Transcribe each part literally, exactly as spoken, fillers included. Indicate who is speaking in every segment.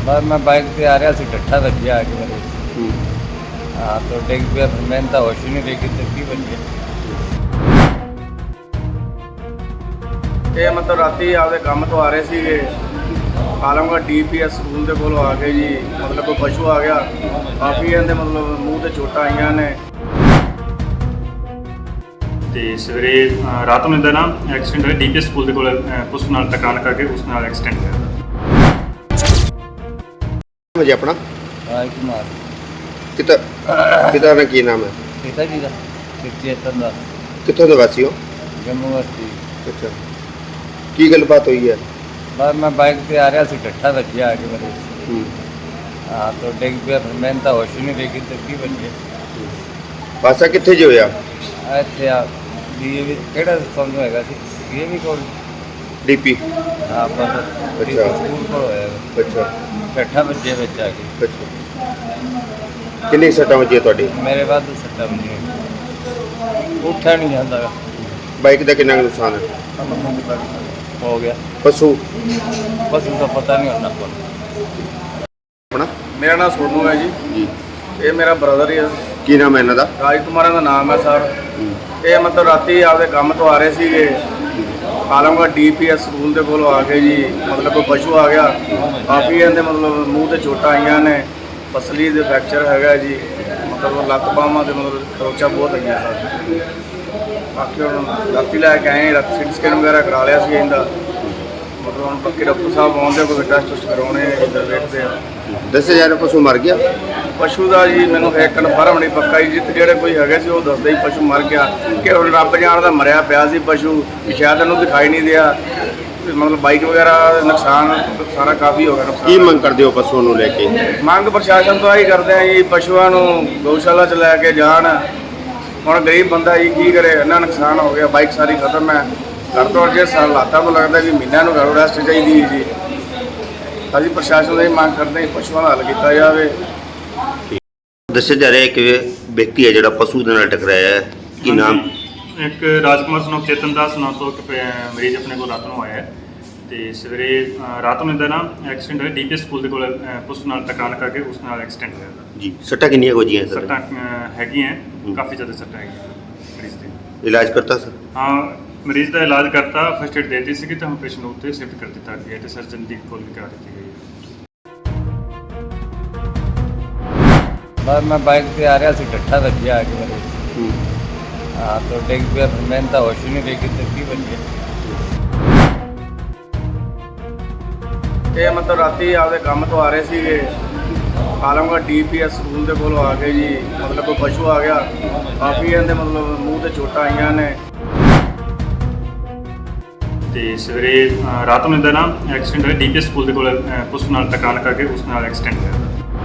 Speaker 1: बस मैं बाइक पे आ रहा सी डट्ठा वजिया आके मेरे हाँ तो डिग पिया फिर मैंने तो होश ही नहीं रही तो की बन गया।
Speaker 2: ਇਹ ਮਤਲਬ ਰਾਤੀ ਆਪਦੇ ਕੰਮ ਤੋਂ ਆ ਰਹੇ ਸੀਗੇ Alamgarh D P S school ਦੇ ਕੋਲ ਆ ਕੇ ਜੀ ਮਤਲਬ ਕੋਈ ਪਸ਼ੂ ਆ ਗਿਆ ਕਾਫੀ ਇਹਦੇ ਮਤਲਬ ਮੂੰਹ ਤੇ ਚੋਟਾਂ ਆਈਆਂ ਨੇ।
Speaker 3: ਤੇ ਸਵੇਰੇ ਅ, ਰਾਤ ਨੂੰ ਇਹਦਾ ਨਾ ਐਕਸੀਡੈਂਟ ਹੋਇਆ ਡੀਪੀਐਸ ਸਕੂਲ ਦੇ ਕੋਲ ਅ, ਪੁਲਿਸ ਨਾਲ ਟਕਾਣ ਕਰਕੇ ਉਸ ਨਾਲ ਐਕਸੀਡੈਂਟ ਹੋਇਆ।
Speaker 4: ਜੀ ਆਪਣਾ
Speaker 1: राज कुमार
Speaker 4: ਕਿਤਾ ਪਿਤਾ ਦਾ ਕੀ ਨਾਮ ਹੈ?
Speaker 1: पिता जी का चेतन दास
Speaker 4: ਕਿੱਥੋਂ ਦੇ ਵਾਸੀ ਹੋ?
Speaker 1: जम्मू बस्ती।
Speaker 4: ਅੱਛਾ ਕੀ ਗੱਲਬਾਤ ਹੋਈ ਹੈ?
Speaker 1: बस मैं बाइक पे आ रहा सी डट्ठा वजिया आके मेरे
Speaker 4: ਹੂੰ
Speaker 1: हाँ तो डिग पिया फिर मैंने तो होश ही नहीं रही तो की बन गया।
Speaker 4: ਪਾਸਾ ਕਿੱਥੇ ਜੇ ਹੋਇਆ?
Speaker 1: ਇੱਥੇ ਆ ਡੀਏਵੀ ਕਿਹੜਾ ਤੁਹਾਨੂੰ ਹੈਗਾ ਸੀ ਡੀਏਵੀ ਕੋਲ
Speaker 4: ਡੀਪੀ
Speaker 1: ਹਾਂ ਪਰ
Speaker 4: ਅੱਛਾ।
Speaker 1: ਸਕੂਲ ਕੋਲ ਹੋਇਆ
Speaker 4: ਅੱਛਾ
Speaker 1: ਬੈਠਾ ਬੱਜੇ ਵਿੱਚ ਆ ਕੇ
Speaker 4: ਅੱਛਾ ਕਿੰਨੀ ਸੱਟਾਂ ਵੱਜੀਆਂ ਤੁਹਾਡੀ?
Speaker 1: ਮੇਰੇ ਬਾਅਦ ਸੱਟਾ ਵੀ ਨਹੀਂ ਹੋਈ। ਉੱਠਿਆ ਨਹੀਂ ਜਾਂਦਾ ਗਾ।
Speaker 4: ਬਾਈਕ ਦਾ ਕਿੰਨਾ ਕੁ ਨੁਕਸਾਨ ਹੈ?
Speaker 1: ਹੋ ਗਿਆ
Speaker 4: ਪਸ਼ੂ
Speaker 1: ਬਸ ਉਸਦਾ ਪਤਾ ਨਹੀਂ ਹੁੰਦਾ ਕੋਲ।
Speaker 4: ਆਪਣਾ
Speaker 2: ਮੇਰਾ ਨਾਮ ਸੋਨੂ ਹੈ ਜੀ,
Speaker 4: ਜੀ
Speaker 2: ਇਹ ਮੇਰਾ ਬ੍ਰਦਰ ਹੀ ਹੈ।
Speaker 4: ਕੀ ਨਾਮ ਹੈ ਇਹਨਾਂ ਦਾ?
Speaker 2: ਰਾਜ ਕੁਮਾਰਾਂ ਦਾ ਨਾਮ ਹੈ ਸਰ।
Speaker 4: ਹੂੰ
Speaker 2: ਇਹ ਮਤਲਬ ਰਾਤੀ ਆਪਦੇ ਕੰਮ ਤੋਂ ਆ ਰਹੇ ਸੀਗੇ Alamgarh D P S school ਦੇ ਕੋਲ ਆ ਕੇ ਜੀ ਮਤਲਬ ਕੋਈ ਪਸ਼ੂ ਆ ਗਿਆ ਕਾਫੀ ਇਹਦੇ ਮਤਲਬ ਮੂੰਹ ਤੇ ਚੋਟਾਂ ਆਈਆਂ ਨੇ, ਪਸਲੀ ਦੇ ਫ੍ਰੈਕਚਰ ਹੈਗਾ ਜੀ, ਮਤਲਬ ਲੱਤ ਬਾਹਾਂ ਦੇ ਮਤਲਬ ਖਰੋਚਾਂ ਬਹੁਤ ਆਈਆਂ ਸਰ। ਬਾਕੀ ਹੁਣ ਰਾਤੀ ਲੈ ਕੇ ਆਏ ਰਾਤੀ ਸਿਟੀ ਸਕੈਨ ਵਗੈਰਾ ਕਰਾ ਲਿਆ ਸੀ ਇਹਦਾ, ਮਤਲਬ ਹੁਣ ਪੱਕੇ ਡਾਕਟਰ ਸਾਹਿਬ ਆਉਂਦੇ ਕੋਈ ਟੈਸਟ ਟੁਸਟ ਕਰਾਉਣੇ ਇੱਧਰ ਵੇਖਦੇ ਆ।
Speaker 4: ਦੱਸਿਆ ਜਾ ਰਿਹਾ ਪਸ਼ੂ ਮਰ ਗਿਆ?
Speaker 2: ਪਸ਼ੂ ਦਾ ਜੀ ਮੈਨੂੰ ਹੈ ਕਨਫਰਮ ਨਹੀਂ ਪੱਕਾ ਜੀ, ਜਿੱਥੇ ਜਿਹੜੇ ਕੋਈ ਹੈਗੇ ਸੀ ਉਹ ਦੱਸਦੇ ਹੀ ਪਸ਼ੂ ਮਰ ਗਿਆ ਕਿ ਹੁਣ ਰੱਬ ਜਾਣਦਾ ਮਰਿਆ ਪਿਆ ਸੀ ਪਸ਼ੂ ਵੀ ਸ਼ਾਇਦ ਇਹਨੂੰ ਦਿਖਾਈ ਨਹੀਂ ਦਿਆ ਤੇ ਮਤਲਬ ਬਾਈਕ ਵਗੈਰਾ ਦਾ ਨੁਕਸਾਨ ਸਾਰਾ ਕਾਫੀ ਹੋ ਗਿਆ ਨੁਕਸਾਨ।
Speaker 4: ਕੀ ਮੰਗ ਕਰਦੇ ਹੋ ਪਸ਼ੂਆਂ ਨੂੰ ਲੈ ਕੇ?
Speaker 2: ਮੰਗ ਪ੍ਰਸ਼ਾਸਨ ਤੋਂ ਆਹੀ ਕਰਦੇ ਆ ਜੀ ਪਸ਼ੂਆਂ ਨੂੰ ਗਊਸ਼ਾਲਾ 'ਚ ਲੈ ਕੇ ਜਾਣ। ਹੁਣ ਗਰੀਬ ਬੰਦਾ ਜੀ ਕੀ ਕਰੇ, ਇੰਨਾ ਨੁਕਸਾਨ ਹੋ ਗਿਆ, ਬਾਈਕ ਸਾਰੀ ਖਤਮ ਹੈ। ਘਰ ਤੋਂ ਜੇ ਹਾਲਾਤਾਂ ਤੋਂ ਲੱਗਦਾ ਵੀ ਮਹੀਨਿਆਂ ਨੂੰ ਘਰੋਂ ਰੈਸਟ ਚਾਹੀਦੀ ਹੈ ਜੀ। ਅਸੀਂ ਪ੍ਰਸ਼ਾਸਨ ਦੀ ਮੰਗ ਕਰਦੇ ਹਾਂ ਪਸ਼ੂਆਂ ਦਾ ਹੱਲ ਕੀਤਾ ਜਾਵੇ।
Speaker 4: ਦੱਸਿਆ ਜਾ ਰਿਹਾ ਕਿ ਵਿਅਕਤੀ ਹੈ ਜਿਹੜਾ ਪਸ਼ੂ ਦੇ ਨਾਲ ਟਕਰਾਇਆ ਹੈ, ਕੀ ਨਾਮ?
Speaker 3: ਇੱਕ ਰਾਜਕੁਮਾਰ ਸਨੋ ਚੇਤਨ ਦਾਸ ਨਾਂ ਤੋਂ ਇੱਕ ਪ- ਮਰੀਜ਼ ਆਪਣੇ ਕੋਲ ਰਾਤ ਨੂੰ ਆਇਆ ਹੈ। ਤੇ ਸਵੇਰੇ ਅ, ਰਾਤ ਨੂੰ ਇਹਦਾ ਨਾ ਐਕਸੀਡੈਂਟ ਹੋਇਆ ਡੀਪੀਐਸ ਸਕੂਲ ਦੇ ਕੋਲ ਅ, ਪੁਲਿਸ ਨਾਲ ਟਕਾਣ ਕਰਕੇ ਉਸ ਨਾਲ ਐਕਸੀਡੈਂਟ ਹੋਇਆ।
Speaker 4: ਜੀ ਸੱਟਾਂ ਕਿੰਨੀਆਂ ਕੁ ਵੱਜੀਆਂ ਸਰ?
Speaker 3: ਸੱਟਾਂ ਅ, ਹੈਗੀਆਂ ਕਾਫੀ ਜ਼ਿਆਦਾ ਸੱਟਾਂ ਹੈਗੀਆਂ ਮਰੀਜ਼ ਦੇ।
Speaker 4: ਇਲਾਜ ਕਰਤਾ ਸਰ?
Speaker 3: ਹਾਂ ਮਰੀਜ਼ ਦਾ ਇਲਾਜ ਕਰਤਾ, ਫਸਟ ਏਡ ਦੇ ਦਿੱਤੀ ਸੀਗੀ ਤਾਂ ਹੁਣ ਪੇਸ਼ੈਂਟ ਨੂੰ ਉੱਤੇ ਸ਼ਿਫਟ ਕਰ ਦਿੱਤਾ ਗਿਆ ਤੇ ਸਰਜਨ ਦੀ ਕੋਲ ਵੀ ਕਰਾ ਦਿੱਤੀ ਗਈ ਹੈ।
Speaker 1: बस मैं बाइक पे आ रहा सी डट्ठा वजिया आके मेरे
Speaker 4: ਹੂੰ
Speaker 1: हाँ तो डिग पिया फिर मैंने तो होश ही नहीं रही तो की बन गया।
Speaker 2: ਇਹ ਮਤਲਬ ਰਾਤੀ ਆਪਦੇ ਕੰਮ ਤੋਂ ਆ ਰਹੇ ਸੀਗੇ Alamgarh D P S school ਦੇ ਕੋਲ ਆ ਕੇ ਜੀ ਮਤਲਬ ਕੋਈ ਪਸ਼ੂ ਆ ਗਿਆ ਕਾਫੀ ਇਹਦੇ ਮਤਲਬ ਮੂੰਹ ਤੇ ਚੋਟਾਂ ਆਈਆਂ ਨੇ।
Speaker 3: ਤੇ ਸਵੇਰੇ ਅ, ਰਾਤ ਨੂੰ ਇਹਦਾ ਨਾ ਐਕਸੀਡੈਂਟ ਹੋਇਆ ਡੀਪੀਐਸ ਸਕੂਲ ਦੇ ਕੋਲ ਅ, ਪੁਲਿਸ ਨਾਲ ਟਕਾਣ ਕਰਕੇ ਉਸ ਨਾਲ ਐਕਸੀਡੈਂਟ ਹੋਇਆ।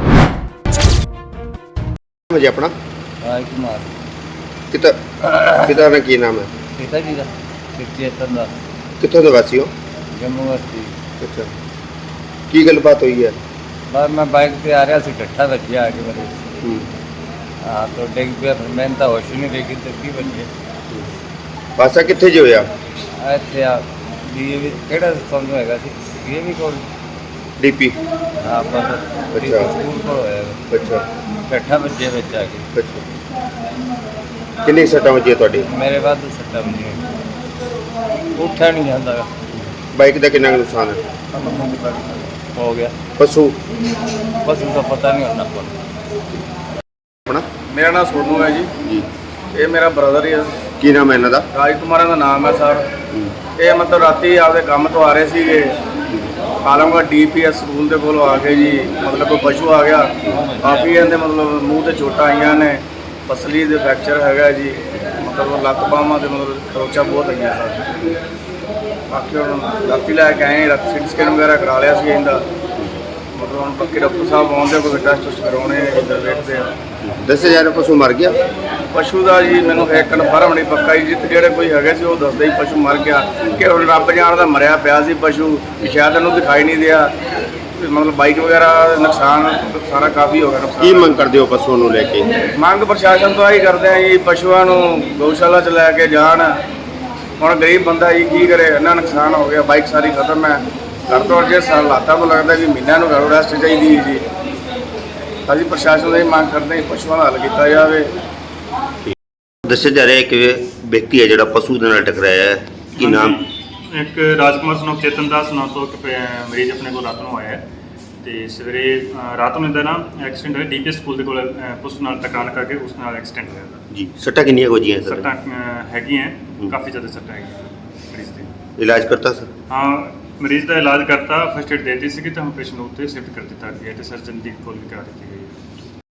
Speaker 4: ਜੀ ਆਪਣਾ
Speaker 1: राज कुमार
Speaker 4: ਕਿਤਾ ਪਿਤਾ ਦਾ ਕੀ ਨਾਮ ਹੈ?
Speaker 1: पिता जी का चेतन दास
Speaker 4: ਕਿੱਥੋਂ ਦੇ ਵਾਸੀ ਹੋ?
Speaker 1: जम्मू बस्ती।
Speaker 4: ਅੱਛਾ ਕੀ ਗੱਲਬਾਤ ਹੋਈ ਹੈ?
Speaker 1: बस मैं बाइक पे आ रहा सी डट्ठा वजिया आके मेरे
Speaker 4: ਹੂੰ
Speaker 1: हाँ तो डिग पिया फिर मैंने तो होश ही नहीं रही तो की बन गया।
Speaker 4: ਪਾਸਾ ਕਿੱਥੇ ਜੇ ਹੋਇਆ?
Speaker 1: ਇੱਥੇ ਆ ਡੀਏਵੀ ਕਿਹੜਾ ਤੁਹਾਨੂੰ ਹੈਗਾ ਸੀ ਡੀਏਵੀ ਕੋਲ
Speaker 4: ਡੀਪੀ
Speaker 1: ਹਾਂ ਪਰ
Speaker 4: ਅੱਛਾ।
Speaker 1: ਸਕੂਲ ਕੋਲ ਹੋਇਆ
Speaker 4: ਅੱਛਾ
Speaker 1: ਬੈਠਾ ਬੱਜੇ ਵਿੱਚ ਆ ਕੇ
Speaker 4: ਅੱਛਾ ਕਿੰਨੀ ਸੱਟਾਂ ਵੱਜੀਆਂ ਤੁਹਾਡੀ?
Speaker 1: ਮੇਰੇ ਬਾਅਦ ਸੱਟਾ ਵੀ ਨਹੀਂ ਹੋਈ। ਉੱਠਿਆ ਨਹੀਂ ਜਾਂਦਾ ਗਾ।
Speaker 4: ਬਾਈਕ ਦਾ ਕਿੰਨਾ ਕੁ ਨੁਕਸਾਨ ਹੈ?
Speaker 1: ਹੋ ਗਿਆ
Speaker 4: ਪਸ਼ੂ
Speaker 1: ਬਸ ਉਸਦਾ ਪਤਾ ਨਹੀਂ ਹੁੰਦਾ ਕੋਲ।
Speaker 4: ਆਪਣਾ
Speaker 2: ਮੇਰਾ ਨਾਮ ਸੋਨੂ ਹੈ ਜੀ,
Speaker 4: ਜੀ
Speaker 2: ਇਹ ਮੇਰਾ ਬ੍ਰਦਰ ਹੀ ਹੈ।
Speaker 4: ਕੀ ਨਾਮ ਹੈ ਇਹਨਾਂ ਦਾ?
Speaker 2: ਰਾਜ ਕੁਮਾਰਾਂ ਦਾ ਨਾਮ ਹੈ ਸਰ।
Speaker 4: ਹੂੰ
Speaker 2: ਇਹ ਮਤਲਬ ਰਾਤੀ ਆਪਦੇ ਕੰਮ ਤੋਂ ਆ ਰਹੇ ਸੀਗੇ Alamgarh D P S school ਦੇ ਕੋਲ ਆ ਕੇ ਜੀ ਮਤਲਬ ਕੋਈ ਪਸ਼ੂ ਆ ਗਿਆ ਕਾਫੀ ਇਹਦੇ ਮਤਲਬ ਮੂੰਹ ਤੇ ਚੋਟਾਂ ਆਈਆਂ ਨੇ, ਪਸਲੀ ਦੇ ਫ੍ਰੈਕਚਰ ਹੈਗਾ ਜੀ, ਮਤਲਬ ਲੱਤ ਬਾਹਾਂ ਦੇ ਮਤਲਬ ਖਰੋਚਾਂ ਬਹੁਤ ਆਈਆਂ ਸਰ। ਬਾਕੀ ਹੁਣ ਰਾਤੀ ਲੈ ਕੇ ਆਏ ਰਾਤੀ ਸਿਟੀ ਸਕੈਨ ਵਗੈਰਾ ਕਰਾ ਲਿਆ ਸੀ ਇਹਦਾ, ਮਤਲਬ ਹੁਣ ਪੱਕੇ ਡਾਕਟਰ ਸਾਹਿਬ ਆਉਂਦੇ ਕੋਈ ਟੈਸਟ ਟੁਸਟ ਕਰਾਉਣੇ ਇੱਧਰ ਵੇਖਦੇ ਆ।
Speaker 4: ਦੱਸਿਆ ਜਾ ਰਿਹਾ ਪਸ਼ੂ ਮਰ ਗਿਆ?
Speaker 2: ਪਸ਼ੂ ਦਾ ਜੀ ਮੈਨੂੰ ਹੈ ਕਨਫਰਮ ਨਹੀਂ ਪੱਕਾ ਜੀ, ਜਿੱਥੇ ਜਿਹੜੇ ਕੋਈ ਹੈਗੇ ਸੀ ਉਹ ਦੱਸਦੇ ਹੀ ਪਸ਼ੂ ਮਰ ਗਿਆ ਕਿ ਹੁਣ ਰੱਬ ਜਾਣਦਾ ਮਰਿਆ ਪਿਆ ਸੀ ਪਸ਼ੂ ਵੀ ਸ਼ਾਇਦ ਇਹਨੂੰ ਦਿਖਾਈ ਨਹੀਂ ਦਿਆ ਤੇ ਮਤਲਬ ਬਾਈਕ ਵਗੈਰਾ ਦਾ ਨੁਕਸਾਨ ਸਾਰਾ ਕਾਫੀ ਹੋ ਗਿਆ ਨੁਕਸਾਨ।
Speaker 4: ਕੀ ਮੰਗ ਕਰਦੇ ਹੋ ਪਸ਼ੂਆਂ ਨੂੰ ਲੈ ਕੇ?
Speaker 2: ਮੰਗ ਪ੍ਰਸ਼ਾਸਨ ਤੋਂ ਆਹੀ ਕਰਦੇ ਆ ਜੀ ਪਸ਼ੂਆਂ ਨੂੰ ਗਊਸ਼ਾਲਾ 'ਚ ਲੈ ਕੇ ਜਾਣ। ਹੁਣ ਗਰੀਬ ਬੰਦਾ ਜੀ ਕੀ ਕਰੇ, ਇੰਨਾ ਨੁਕਸਾਨ ਹੋ ਗਿਆ, ਬਾਈਕ ਸਾਰੀ ਖਤਮ ਹੈ। ਘਰ ਤੋਂ ਜੇ ਹਾਲਾਤਾਂ ਤੋਂ ਲੱਗਦਾ ਕਿ ਮਹੀਨਿਆਂ ਨੂੰ ਘਰੋਂ ਰੈਸਟ ਚਾਹੀਦੀ ਹੈ ਜੀ। ਅਸੀਂ ਪ੍ਰਸ਼ਾਸਨ ਦੀ ਮੰਗ ਕਰਦੇ ਹਾਂ ਕਿ ਪਸ਼ੂਆਂ ਦਾ ਹੱਲ ਕੀਤਾ ਜਾਵੇ।
Speaker 4: ਦੱਸਿਆ ਜਾ ਰਿਹਾ ਹੈ ਕਿ ਵਿਅਕਤੀ ਹੈ ਜਿਹੜਾ ਪਸ਼ੂ ਦੇ ਨਾਲ ਟਕਰਾਇਆ ਹੈ, ਕੀ ਨਾਮ?
Speaker 3: ਇੱਕ ਰਾਜਕੁਮਾਰ ਸਨੋਕ ਚੇਤਨ ਦਾਸ ਨਾਂ ਤੋਂ ਇੱਕ ਪ- ਮਰੀਜ਼ ਆਪਣੇ ਕੋਲ ਰਾਤ ਨੂੰ ਆਇਆ ਹੈ ਤੇ ਸਵੇਰੇ ਅ, ਰਾਤ ਨੂੰ ਇਹਦਾ ਨਾ ਐਕਸੀਡੈਂਟ ਹੋਇਆ ਡੀਪੀਐਸ ਸਕੂਲ ਦੇ ਕੋਲ ਅ, ਪੁਲਿਸ ਨਾਲ ਟਕਰਾਣ ਕਰਕੇ ਉਸ ਨਾਲ ਐਕਸੀਡੈਂਟ ਹੋਇਆ ਇਹਦਾ।
Speaker 4: ਜੀ ਸੱਟਾਂ ਕਿੰਨੀਆਂ ਕੁ ਵੱਜੀਆਂ ਸਰ?
Speaker 3: ਸੱਟਾਂ ਅ, ਹੈਗੀਆਂ ਕਾਫੀ ਜ਼ਿਆਦਾ ਸੱਟਾਂ ਹੈਗੀਆਂ ਮਰੀਜ਼ ਦੇ।
Speaker 4: ਇਲਾਜ ਕਰਤਾ ਸਰ?
Speaker 3: ਹਾਂ, ਮਰੀਜ਼ ਦਾ ਇਲਾਜ ਕਰਤਾ, ਫਸਟ ਏਡ ਦੇ ਦਿੱਤੀ ਸੀਗੀ ਤਾਂ ਹੁਣ ਪੇਸ਼ੈਂਟ ਨੂੰ ਉੱਤੇ ਸ਼ਿਫਟ ਕਰ ਦਿੱਤਾ ਗਿਆ ਤੇ ਸਰਜਨ ਦੀ ਕੋਲ ਵੀ ਕਰਾ ਦਿੱਤੀ ਗਈ ਹੈ।